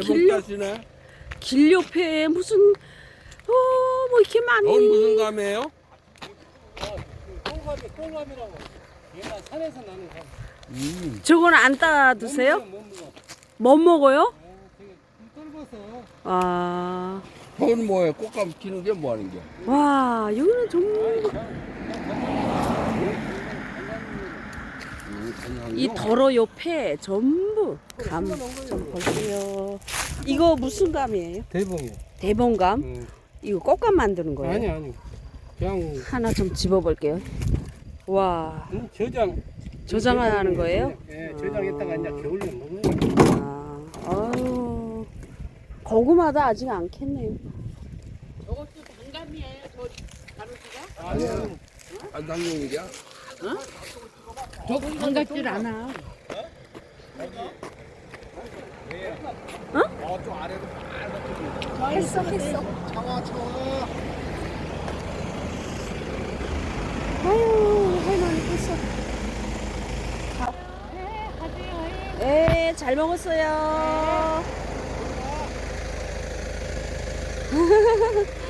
길 옆에 무슨 뭐 이렇게 많이. 넌 무슨 감이에요? 꽁감이라고. 얘가 산에서 나는 감. 저건 안 따 드세요? 못 먹어. 못 먹어요? 되게 떫어서. 아, 그건 뭐예요? 꽃감 키는 게 뭐 하는 게? 와 여기는 정말 이 더러 옆에 전부 감 좀 볼게요. 이거 무슨 감이에요? 대봉이요. 대봉감? 이거 꽃감 만드는 거예요? 아니. 그냥 하나 좀 집어볼게요. 와, 저장하는 거예요? 예, 저장했다가 이제 겨울에 먹는 거. 아유, 고구마도 아직 안 캤네요. 저것도 단감이에요. 저 가로지가? 아니야. 안 당용이야? 저 반갑질 않아. 했어. 아유, 할머니 했어. 네, 잘 먹었어요.